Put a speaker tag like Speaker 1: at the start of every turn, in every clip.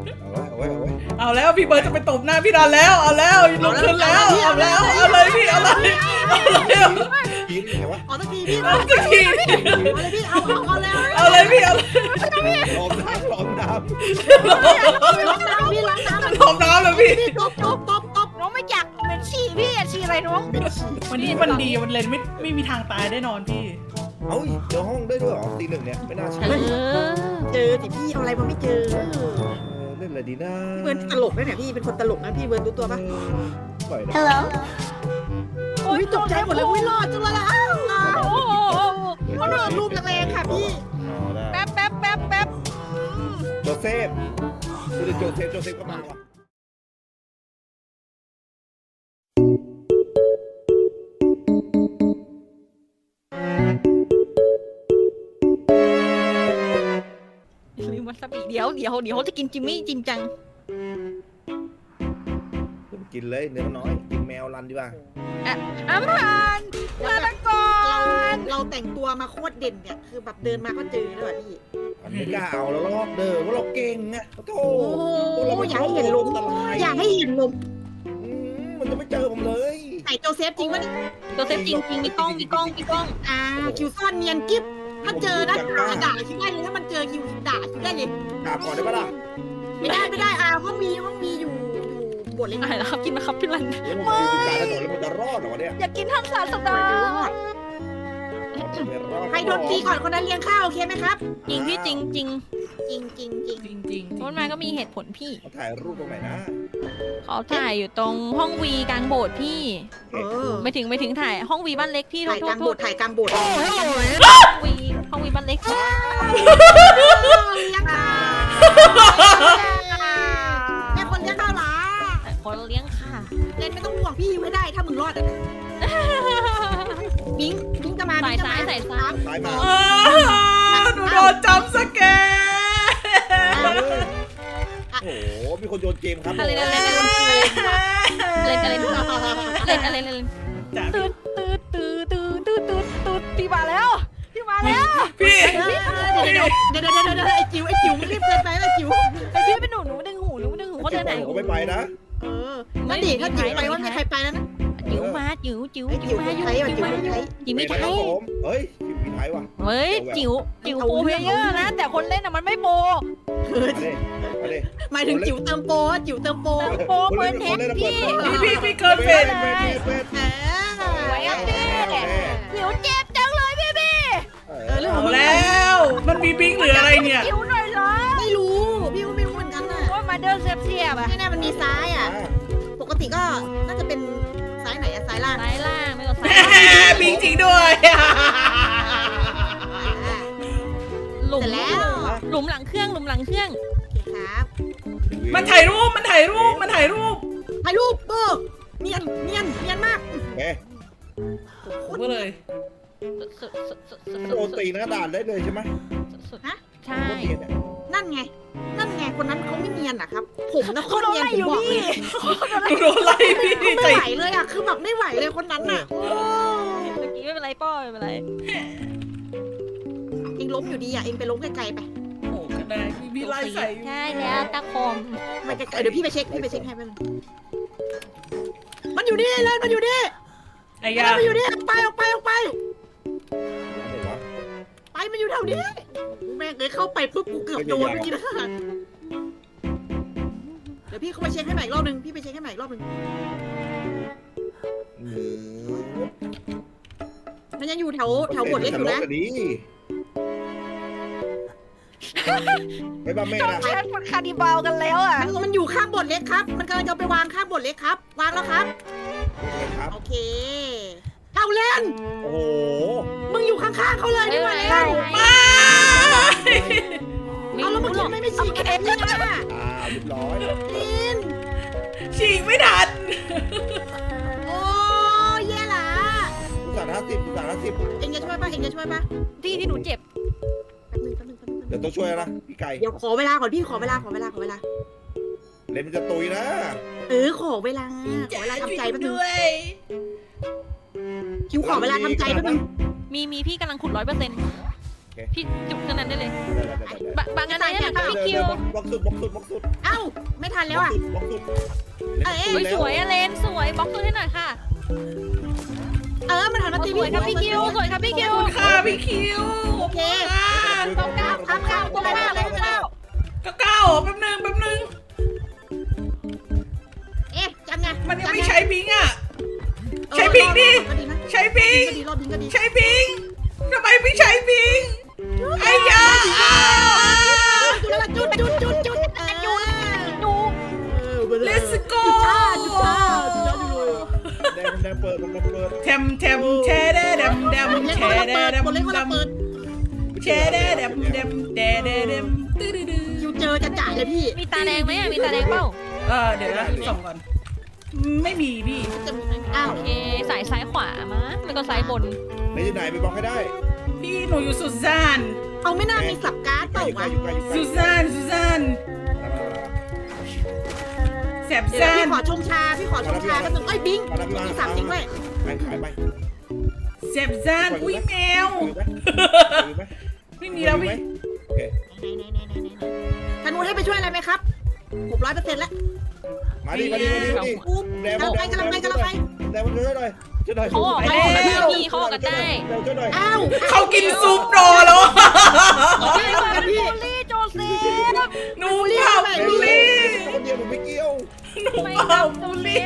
Speaker 1: เอาแล้วพี่เบิร์ดจะไปตบหน้าพี่ดอนแล้วเอาแล้วลุกขึ้นแล้วเอาแล้วเอาเลยพี่เอาเลยเอาเลย
Speaker 2: ทีไหนวะ
Speaker 3: เอาสักทีพี่
Speaker 1: เอาสักที
Speaker 3: เอาเลยพี่เอาเลย
Speaker 1: เอาเลยพี่เอาเลย
Speaker 2: ล้อมน้ำล้อมน้
Speaker 3: ล้างน้ำพี่ล้างน้ำ
Speaker 1: หอมน้ำเลยพี่
Speaker 3: ตบน้องไม่อยากเป็นฉี่พี่ฉี่อะไรน้อง
Speaker 1: วันนี้มันดีมันเลนไม่มีทางตายได้นอนพี่
Speaker 2: ำเอ้าเจอห้องได้ด้วยเหรอตีหนึ่งเนี่ยไม่น่าใช่
Speaker 3: เจอสิพี่เอาอะไรมาไม่เจอ
Speaker 2: เล่นอะไรดีนะ
Speaker 3: เบิร์นตลกนะเนี่ยพี่เป็นคนตลกนะพี่เบิร์นรู้ตัวปะ
Speaker 2: ปล่อยนะ
Speaker 4: Hello
Speaker 3: อุ้ยตกใจหมดเลยอุ้ยรอดจังเลยอ่ะโอ้โหเขาโดนรูปแรงๆค่ะพี่
Speaker 2: แป๊บโจเซฟคือโจเซฟก็มาว่ะ
Speaker 4: ลืมวาซาบิเดี๋ยวจะกินจิมมี่จริงจัง
Speaker 2: กินเลยเนื้อน้อยกินแมวรันดีกว่า
Speaker 4: อาหารลาตก่อน
Speaker 3: เราแต่งตัวมาโคตรเด่นเนี่ยคือแบบเดินมาก็เจอเลยพี่
Speaker 2: อันไม่กล้าเอาแล้วลอกเด้อว่าเราเก่งไงโธ่
Speaker 3: อย่าให้เห็นลมอย่าให้เห็นลม
Speaker 2: มันจะไม่เจอผมเลย
Speaker 3: ไหนโจเซฟจริงวะนี่
Speaker 4: ตัวเซฟจริงมีกล้อง
Speaker 3: คิวซ่อนเนียนกิ๊บถ้าเจอนะด่าคิวได้เลยถ้ามันเจอคิวด่าคิวได้เลย
Speaker 2: กราบก่อนได้ปะล่ะ
Speaker 3: ไม่ได้ห้องมีอยู่บทเล็ก
Speaker 4: อะไรนะครับกินนะครับพี่รัน
Speaker 2: แล้วมันอยู่กลางถนนแล้วมันจะรอดเหรอวะเนี่ย
Speaker 4: อยากกินท่านสารสดา
Speaker 2: ไม่รอด
Speaker 3: ใครโดนตีก่อนคนนั้นเลี้ยงข้าวโอเคไหมครับ
Speaker 4: จริงพี่จริง
Speaker 3: จริง
Speaker 1: จริง
Speaker 4: ต้นไม้ก็มีเหตุผลพี่
Speaker 2: เขาถ่ายรูปตรงไหนนะ
Speaker 4: เขาถ่ายอยู่ตรงห้องวีกลางโบสถ์พี่ ไม่ถึงถ่ายห้องวีบ้านเล็กพี่
Speaker 3: ถ่ายกลางโบสถ์ถ่ายกลางโบสถ์
Speaker 4: วีห้องวีบ้านเล็ก
Speaker 3: เลี้ยงข้าวแม่คนเลี้ยงข้าวหรอ
Speaker 4: คนเลี้ยงค่ะ
Speaker 3: เล่นไม่ต้องห่วงพี่ไม่ได้ถ้ามึงรอดอ่ะบิงจะมา
Speaker 4: สายซ้าย
Speaker 2: ตายมา
Speaker 1: หนูโดนจำสแกร์
Speaker 2: โอ้โหมีคนโยนเกมครับ
Speaker 4: อะไรเล่นตืดพี่มาแล้ว
Speaker 1: พี่
Speaker 3: เดี๋ยวไอ้จิ๋วมันรีบเกินไปไอ้จิ๋ว
Speaker 4: ไอพี่เป็นหนูดึงหูเขาเดินไหน
Speaker 2: เขาไม่ไปนะ
Speaker 3: นั่นดิถ้าจิ๋วไปว่ามีใครไปแล้วนะ
Speaker 4: จิ๋วมาจิ๋ว
Speaker 3: ไอ้จิ๋วไทยจิ๋วไทย
Speaker 4: จิ๋วไม่ไทย
Speaker 2: เฮ้ยมีไทยว่ะ
Speaker 4: เฮ้ยจิ๋วโปรเพลเยอร์นะ แต่คนเล่นอะมันไม่โปร
Speaker 2: มาดิ
Speaker 3: หมายถึงจิ๋วเติมโปจิ๋วเติมโป
Speaker 4: โปรเปิดเทปพี่
Speaker 1: พี่เกินเฟส
Speaker 4: ไว้อะพี่จิ๋วเจ็บจังเลยพี่
Speaker 1: เอาแล้วมันมีบิงหรืออะไรเนี่ย
Speaker 4: จิ๋วหน่อยเหรอ
Speaker 3: ไม่รู้พี่ก็ไม่รู้เหมือนกันน่ะ
Speaker 4: ว่ามาเดินเสียบอะ
Speaker 3: แน่ๆมันมีซ้ายอ่ะปกติก็น่าจะเป็นซ้ายไหนอะซ้ายล่าง
Speaker 4: ซ้ายล่างไม่ก็ซ้าย
Speaker 1: บิงจริงด้วย
Speaker 4: หลุมหลังเครื่อง
Speaker 3: โอเคครับ
Speaker 1: มันถ่ายรูป
Speaker 3: ถ่ายรูปเนียนมาก
Speaker 2: เอ๊ะ
Speaker 1: ก็เลย
Speaker 2: โดนตีหน้าด่านได้เลยใช่ไหม
Speaker 4: ใช่
Speaker 3: นั่นไงคนนั้นเขาไม่เนียนอะครับผมนะโคตรเนียนผมบอกเลย
Speaker 1: โดนไล่พี่
Speaker 3: ไม่ไหวเลยอะคือแบบไม่ไหวเลยคนนั้นอะ
Speaker 4: เมื่อกี้ไม่เป็นไรป้อไม่เป็นไร
Speaker 3: เองล้มอยู่ดีอะเองไปล้มไกลๆไป
Speaker 1: โอ้ก็ได้พี่ไล่ใส่
Speaker 4: ใช่แล้วตะคอม
Speaker 3: ไปไกลๆเดี๋ยวพี่ไปเช็คให้ไปมันอยู่นี่เลยมันอยู่นี่
Speaker 1: ไอ้ยา
Speaker 3: มันอยู่นี่ไปออกไปมันอยู่แถวนี้แม่งเลยเข้าไปปุ๊บกูเกือบโดนเมื่อกี้นะเดี๋ยวพี่เข้าไปเช็คให้ใหม่อีกรอบนึงมันยังอยู่แถวบทเล็กอยู่นะ
Speaker 2: ไม่บ้าแม่
Speaker 4: ต้อง
Speaker 2: นะ
Speaker 4: แชทมันคาร์ดิบาลกันแล้วอ่ะ
Speaker 3: มันอยู่ข้างบทเล็กครับมันกำลังจะไปวางข้างบทเล็กครับวางแล้วครับ
Speaker 2: ครับ
Speaker 3: โอเคเอาเล่น
Speaker 2: โอ้โห
Speaker 3: มึงอยู่ข้างๆเขาเลยนี่หว่าเล่น
Speaker 4: ไม่
Speaker 3: เอาแล้ว
Speaker 4: รู้
Speaker 3: เมื่อ
Speaker 4: หร
Speaker 3: กี้
Speaker 4: อก
Speaker 3: ไม่ฉีกกันนี่นะ
Speaker 2: เรียบร้อย
Speaker 3: ลิน
Speaker 1: ฉีกไม่ทัน
Speaker 3: โอ้แย่ละ
Speaker 2: 50
Speaker 3: เอ็งจะช่วยป่ะ
Speaker 4: ที่หนูเจ็บ
Speaker 3: แป๊บนึง
Speaker 2: เดี๋ยวต้องช่วยนะพี่ไก่
Speaker 3: เดี๋ยวขอเวลาก่อนพี่ขอเวลา
Speaker 2: เลนมันจะตุยนะ
Speaker 3: ขอเวลาทำใจแป๊บนึงคิวขอเวลาทำใจแป๊บนึง
Speaker 4: มีพี่กำลังขุด100% พี่จุกขนาดนั้นได้เลย
Speaker 2: ได้
Speaker 4: บางอันไหนนะพี่คิว
Speaker 2: บล็อกสุด
Speaker 3: เอ้าไม่ทันแล้วอ่ะ
Speaker 2: บล็อกสุด
Speaker 4: อุ้ยสวยอะเลนสวยบล็อกตัวให้หน่อยค่ะ
Speaker 3: มันหันมาตี
Speaker 4: สวยครับพี่คิวสวยครับพี่คิว
Speaker 1: ค่ะพี่คิว
Speaker 3: โอเค
Speaker 2: ต้องก้าว
Speaker 3: ข้ามตัวแล้วเลยแล้ว
Speaker 1: ก็ก้าวแป๊บนึง
Speaker 3: เอ๊ะจำไง
Speaker 1: มันยังไม่ใช้บิงอ่ะ ใช้บิงดิใช้บิง
Speaker 3: รอบบิงก็ดี
Speaker 1: ใช้บิงทำไมไม่ใช้บิงไอ้ยา
Speaker 3: จุดแล้วจุด
Speaker 4: ดู
Speaker 1: Let's go
Speaker 2: แดงเปิด
Speaker 1: แทมแชเดแดมแชเดแดมแชเดแดมตื้อ
Speaker 3: คิวเจอจะจ่ายเลยพี่
Speaker 4: มีตาแดงไหมอะมีตาแดงเปล่า
Speaker 1: เดี๋ยวนะส่องก่อนไม่มีพี่
Speaker 3: จะมีไหมอ้าว
Speaker 4: โอเคสายซ้ายขวามาแล้วก็ซ้ายบน
Speaker 2: ไหนอยู่ไหนไปบล็อกให้ได้
Speaker 1: พี่หนูอยู่สุสาน
Speaker 3: เขาไม่น่ามีสับการ์ดเปล่าวะ
Speaker 1: สุสานแสบ
Speaker 3: เดี๋ยว
Speaker 1: ซ่า
Speaker 3: พี่
Speaker 1: น
Speaker 3: ขอชงชาแป๊บนึงเอ้ยบิงมีสับจริงด้วย
Speaker 2: ไปขายไป
Speaker 1: แสบซ่านอุ้ยแมว ไม่มีแล้วพี่
Speaker 2: โอเค
Speaker 3: ธนูให้ไปช่วยอะไรไหมครับ600%แล้ว
Speaker 2: มาดิ
Speaker 3: ปุ๊บกำลังไป
Speaker 2: แดงมันช่วยหน่อยช่วยหน่อย
Speaker 4: เขาออกกันได้พี่เขาออกกันได้
Speaker 2: ช่วยหน่อย
Speaker 3: อ้าว
Speaker 1: เขากินซุปรอแล้ว
Speaker 3: พี่กันพี่
Speaker 4: ลี่โจเซฟ
Speaker 1: หนูเผาบุลี
Speaker 2: คนเดียวผมไม่เกี่ยว
Speaker 1: หนูเผาบุลี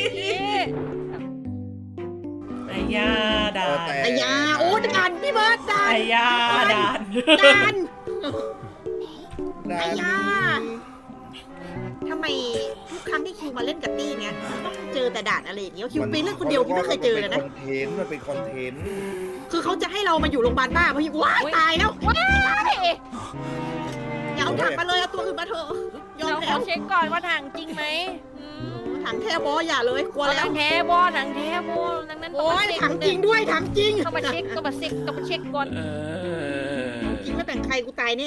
Speaker 1: ไอ้ยาดาน
Speaker 3: ไอ้ยาโอ้ด่านพี่เบิร์ดด่าน
Speaker 1: ไอ้ยาดาน
Speaker 3: ด่านไอ้ยาทำไมทุกครั้งที่คิวมาเล่นกับตี้เนี่ยต้องเจอแต่ด่านอะไรอย่างเงี้ยคิวไปเล่นคนเดียวคิวไม่เคยเจอเลยนะ
Speaker 2: มันเป็นคอนเทนต์
Speaker 3: คือเขาจะให้เรามาอยู่โรงพยาบาลบ้าเพราะว้ายตายแล้วว้ายอย่าเอาถังมาเลยเอาตัวอื่นมาเถอะยอม
Speaker 4: เราข
Speaker 3: แล้
Speaker 4: อ
Speaker 3: ว
Speaker 4: เช็คก่อนว่าถังจริงไหม
Speaker 3: ถังแท้บออย่าเลยกลัว
Speaker 4: ถั
Speaker 3: แล้ว
Speaker 4: งแท้บอถังแท้บอดังนั้น
Speaker 3: โอ้ยถังจริงด้วยถังจริง
Speaker 4: ต้องมาเช็คต้องมาเช็คก่อน
Speaker 3: จริงไม่แบ่งใครกูตายแน่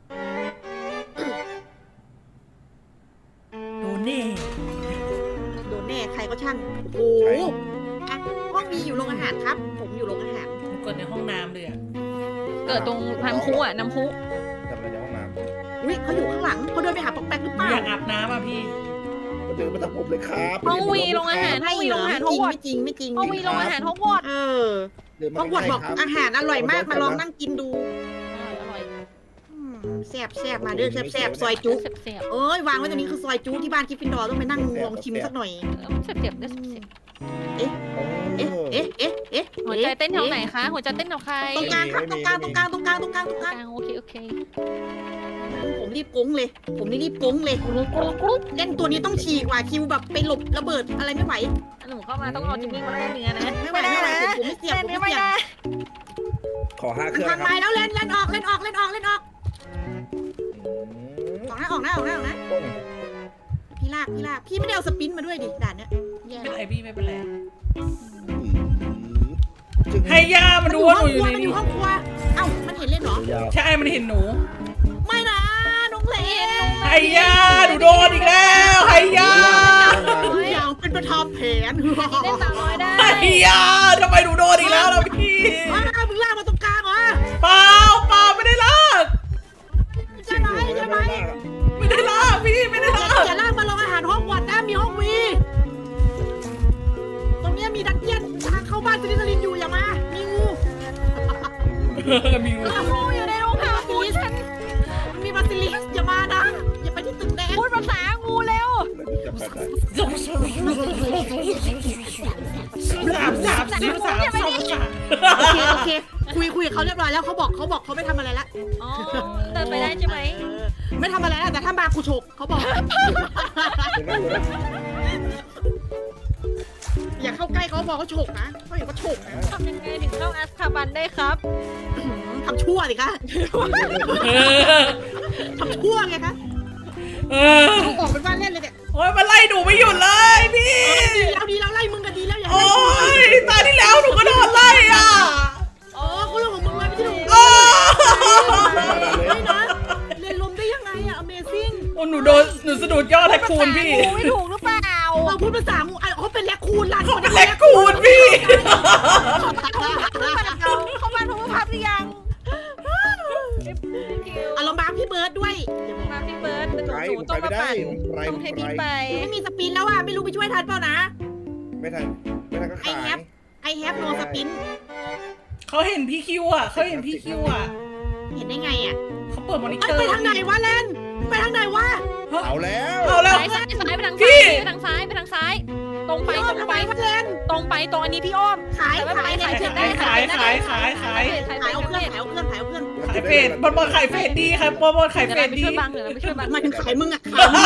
Speaker 1: โดนแน่
Speaker 3: โดนแน่ใครก็ช่างโอ้โหอ่ะห้องมีอยู่โรงอาหารครับ ผมอยู่โรงอาหาร
Speaker 1: หนูกดในห้องน้ำเลยอ่ะ
Speaker 4: เกิดตรงทางคุอ่ะน้ำคุ
Speaker 2: ทำอะไรในห้องน้ำ
Speaker 3: อุ้ยเขาอยู่ข้างหลังเขาเดินไปหาป๊อกแป๊กหรือ
Speaker 1: ห
Speaker 3: เป
Speaker 1: นู
Speaker 3: ล่า
Speaker 1: อยากอาบน้ำอ่ะพี่
Speaker 2: มาเดินมาทำผมเลยครับ
Speaker 4: ห้องวีโรงอาหารห้องวีโรงอาหาร
Speaker 3: ไม่
Speaker 4: ห้องวอด
Speaker 3: จริงไม่จริง
Speaker 4: ห้องวีโรงอาหารห้องวอด
Speaker 3: เออห้องวอดบอกอาหารอร่อยมากมาลองนั่งกินดู
Speaker 4: อร่อย
Speaker 3: แซ่บมาเด้อแซ่บซอยจุ
Speaker 4: เสียบ
Speaker 3: เอ้ยวางไว้ตรงนี้คือซอยจุที่บ้านกิฟฟินดอร์ต้องไปนั่งลองชิมสักหน่อย
Speaker 4: เสียบได้เสียบ
Speaker 3: เอ๊ะ
Speaker 4: หัวใจเต้นแถวไหนคะหัวใจเต้นแถวใคร
Speaker 3: ตรงกลางครับตรงกลาง
Speaker 4: โอเค
Speaker 3: ผมรีบกุ้งเลย ผมนี่รีบกุ้งเลยเล่นตัวนี้ต้องฉีกว่าคิวแบบไปหลบระเบิดอะไรไม่ไหว
Speaker 4: หนูเข้ามาต้องเอาจิมมี่มาได้เนื้อนะ
Speaker 3: ไม่ไหวผมไม่เสียบผมไม่เสียบ
Speaker 2: ขอ5
Speaker 3: มัน
Speaker 2: เครื่อง
Speaker 3: พัง
Speaker 2: ค
Speaker 3: ไม้
Speaker 2: รับ
Speaker 3: แล้วเล่นออกออกนะพี่ลากพี่ไม่ได้เอาสปินมาด้วยดิด่านเนี้ย
Speaker 1: ไม่เป็นไรพี่ไม่เป็นไรให้ย่ามาดูว่าหนูอยู่ใน
Speaker 3: มันอ
Speaker 1: นี้
Speaker 3: ยู่ห้องครัวเอ้ามันเห็นเล่นเหรอ
Speaker 1: ใช่มันเห็นหนู
Speaker 3: ไม่นะน้องเลน
Speaker 1: ให้ย่าหนูโดนอีกแล้วให้ย่า
Speaker 3: อย่างเป็นประธานแผน
Speaker 4: เล่นสาวน้อยได้
Speaker 1: ให้ย่าทำไมหนูโดนอีกแล้วล่ะพี่
Speaker 3: ว้ามึงลากมาตรงกลางเหรอ
Speaker 1: เปล่าไม่ได้ลาก
Speaker 3: ใช่ไหม
Speaker 1: ไม่ได้ลากพี่ไม่ได้ลาก
Speaker 3: อย่าลากมาลงอาหารห้องวัดนะมีห้องวีตรงนี้มีดักเจี้ยนทางเข้าบ้านซิลิสลินอยู่อย่ามามีงู
Speaker 1: มีงู
Speaker 3: งูอยู่ในโรงอาหารบาซิลิสมันมีบาซิลิสอย่ามานะอย่าไปที่ตึกแดง
Speaker 4: พูดภาษางูเร็ว
Speaker 1: สามสิบสาม
Speaker 3: โอเคคุยกับเขาเรียบร้อยแล้วเขาบอกเขาไม่ทำอะไรละ
Speaker 4: อ๋อเดินไปได้ใช่ไหม
Speaker 3: ไม่ทำอะไรแล้วแต่ถ้ามากูฉกเขาบอกอย่าเข้าใกล้เขาบอกเขาฉกนะเขาเห็นว่าฉกนะ
Speaker 4: ทำยังไงถึงเข้าอัสคาบันได้ครับ
Speaker 3: ทำชั่วสิคะทำชั่วไงคะเขาออกเป็นว่าเล่นเลยเนี่ย
Speaker 1: โอ้ยมันไล่หนูไม่หยุดเลยพี่
Speaker 3: ดีแล้วไล่มึงกันดีแล้วอย่า
Speaker 1: โอ้ยตาที่แล้วหนูก็โดนไล่อ่ะ
Speaker 3: อ๋อกูเรื่องของมึงเลยไม่ใช่หนู
Speaker 1: โอ้
Speaker 3: ไม่นะเรียนลมได้ยังไงอะ Amazing
Speaker 1: หนูสะดุดยอดแทคูนพี่
Speaker 4: งูไม่ถูกหรือเปล่า
Speaker 3: เราพูดภาษางูเขาเป็นแลคคูนล่ะ
Speaker 1: เขาเป็นแทคูนพี่
Speaker 4: เขาบ้านพระพับหรือยัง
Speaker 3: บิร์ดด้วยอย่าบอก
Speaker 4: มาพี่เบิร์ดเป็น
Speaker 2: ไก
Speaker 4: หนู
Speaker 2: ผม
Speaker 4: ต้
Speaker 2: ไป
Speaker 4: อง
Speaker 2: ไม่
Speaker 4: มา
Speaker 2: ได้
Speaker 4: ปั่น
Speaker 2: ผมไร
Speaker 4: ต้องให้พี่
Speaker 2: ไร
Speaker 4: ไป
Speaker 3: ไม่มีสปินแล้วอ่ะไม่รู้ไปช่วยทันเปล่านะ
Speaker 2: ไม่ทันก็ขาย
Speaker 3: ไอแฮปโนสปิน
Speaker 1: เขาเห็นพี่คิวอ่ะเขาเห็นพี่คิวอ่ะ
Speaker 3: เห็นได้ไงอ่ะ
Speaker 1: เขาเปิดมอนิ
Speaker 3: เอ้
Speaker 1: เตอร์
Speaker 3: ไปทางไหนวะเลนไปทางไหนวะ
Speaker 2: เอาแล้ว
Speaker 1: เอาแล้ว
Speaker 4: ซ้ายไปทาง
Speaker 1: พี่
Speaker 4: ซ้ายไปทางซ้ายไปทางซ้าย ตรงไป
Speaker 3: พี่อ้อม
Speaker 4: ตรง
Speaker 3: ทำ
Speaker 4: ไป
Speaker 3: ไมวะเลน
Speaker 4: ตรงไปตรงอันนี้พี่อ้อม
Speaker 3: ขายเนี่ย
Speaker 4: เชือกได้
Speaker 1: ขายขายขายขาย
Speaker 3: ขายเอาเครื่องขายเอาเครื่องขายเอาเครื่อง
Speaker 1: ขายเฟดบอลขายเฟดดีครับบอลขาย
Speaker 4: เดี๋
Speaker 1: เฟ
Speaker 4: ยวเรา
Speaker 1: ด
Speaker 4: ไป
Speaker 1: ดี
Speaker 4: ช่วยบังเดี๋ยวเราไปช่วยบัง
Speaker 3: มาถึงขายมึงอ่ะขายมึง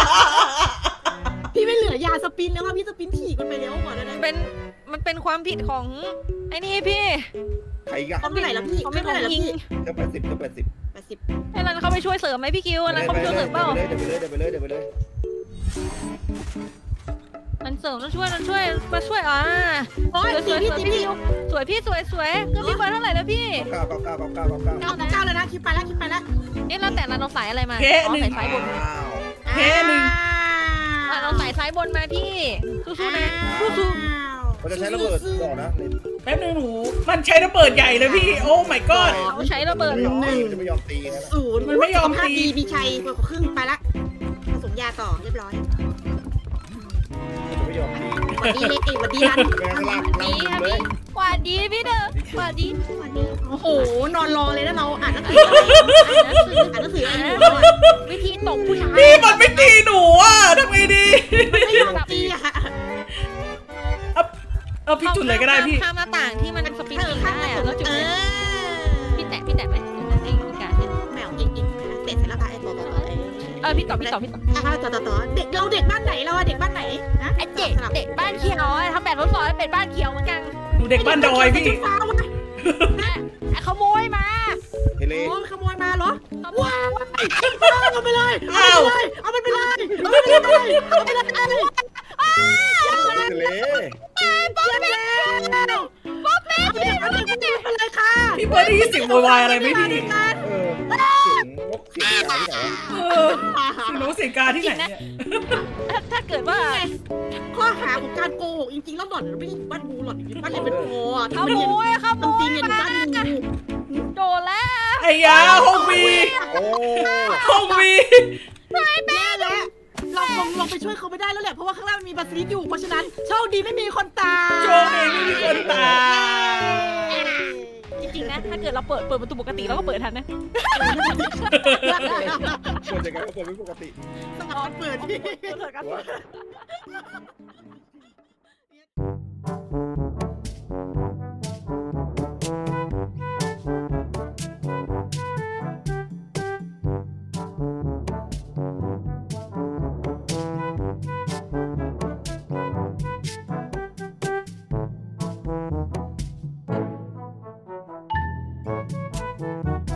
Speaker 3: พี่ไม่เหลือยาสปินแล้วอ่ะพี่สปินฉีกมันไปแล้วก่อนได้ไหม
Speaker 4: มันเป็นความผิดของไอ้นี่พี่
Speaker 2: ใครอีกัน
Speaker 3: เขาไม่ไหนแล้วพี่
Speaker 4: เขาไม่ของยิง
Speaker 2: ก็80ก็80
Speaker 3: 80
Speaker 4: ให้รันเขาไปช่วยเสริมไหมพี่คิวรันเขาไปช่วยเสริมเปล่า
Speaker 2: เดี๋ยวไปเลย
Speaker 4: มันเสริมต้องช่วยมันช่วยมาช่วย
Speaker 3: โอ้ย
Speaker 4: สวย
Speaker 3: พี่
Speaker 4: สวย
Speaker 3: พี่
Speaker 4: พี่
Speaker 3: พี่
Speaker 4: คิวสวยพี่สวยเครื่องพี่เบิร์ดเท่าไหร่แล้วพี่
Speaker 2: 9
Speaker 3: 9แล้วนะคิดไปแล้วคิดไปแล้ว
Speaker 4: เอ๊ะแล้วแต่รันเราสายอะไรมา
Speaker 1: เพะหนึ่ง
Speaker 4: สายซ้ายบน
Speaker 1: เฮ้หนึ่ง
Speaker 4: รันเราสายซ้ายบนมาพี่สู้ๆนะสู้
Speaker 2: มันจะใช้ระเบิดก่อนนะ
Speaker 1: แป๊บนึงหนูมันใช้ระเบิดใหญ่เลยพี่โอ้ my god
Speaker 4: ๆเขาใช้ระเบิดเหรอ
Speaker 2: จะไม่ยอมตีนะ
Speaker 3: 0
Speaker 1: มันไม่ยอมตี
Speaker 3: ภาพดีมีชัยกว่าครึ่งไปละผสมยาต่อเรียบร้อย
Speaker 2: จะไม่ยอมตี
Speaker 3: หวัดดีเล็กหวัดดีรัน
Speaker 2: แม่งลาก
Speaker 4: ดีค่ะพี่หวานดีพี่เด้อหวานดี
Speaker 3: หวัดดีโอ้โหนอนรอเลยนะเราอ่านหนังสืออ่านหนังสืออะไรอยู่
Speaker 4: วิธีตบผู้ชาย
Speaker 1: พี่มันไม่ตีหนูอ่ะทำไงดี
Speaker 3: ไม่ยอมตีอ่ะ
Speaker 1: เอาพี่จุดเลยก็ได้พี่
Speaker 4: ข้ามหน้าต่างที่มันสปินยิงได้อะแล้วจุด
Speaker 3: เอ
Speaker 4: เลย
Speaker 3: อ
Speaker 4: พี่แตะไหมไอ้การเนี่ย
Speaker 3: แมวยิงเตะเสร็จแล้วค่ะไอ้ต่อ
Speaker 4: พี่ต่อ
Speaker 3: ต่อเด็กเราเด็กบ้านไหนเราเด็กบ้านไหนนะ
Speaker 4: ไอ้เด็กบ้านเขียวทำแบบทดสอบเป็นบ้านเขียวเหมือนกัน
Speaker 1: หนูเด็กบ้านดอยพี่
Speaker 3: ฟ้าวะ
Speaker 4: ขโมยมา
Speaker 2: เฮเล
Speaker 3: โอ้ขโมยมาเหรอ
Speaker 4: ขโมย
Speaker 3: เอาไปเลยเอามันไปเลยเอามันไปเลยเอาไปเลยเอาไปเลย
Speaker 2: เฮเล
Speaker 3: ป๊อปเป้ป๊อปเป้เอาไปเลยค่ะ
Speaker 1: พี่เบิร์ดได้ยินเสียงโวยวายอะไรไหมพี่
Speaker 2: เสียงนกเสียงอะไรที่ไหน
Speaker 1: เออเสียงนกเสียงกาที่ไหนเนี่ย
Speaker 4: ถ้าเกิดว่า
Speaker 3: ข้อหาของการโกหกจริงๆแล้วหล่อนไม่ได้บ้านงูหล่อนบ้านเรียนเป็นโง่
Speaker 4: ขโมย
Speaker 3: ต้องตีเงินบ้านงู
Speaker 4: โดนแล้ว
Speaker 1: ไอ้ยาห้องวี
Speaker 2: โอ้
Speaker 1: ห้องวี
Speaker 3: แย่แล้วเราลงไปช่วยเขาไม่ได้แล้วแหละเพราะว่าข้างล่างมีบาซิลิสอยู่เพราะฉะนั้นโชคดีไม่มีคนตาย
Speaker 1: โชคดีไม่มีคนตาย
Speaker 4: จริงๆนะถ้าเกิดเราเปิดประตูปกติเราก็เปิดทันนะ
Speaker 2: เปิดยังไงก็เปิดไม่ปกติ
Speaker 3: สมองเปิดที่
Speaker 2: ว้า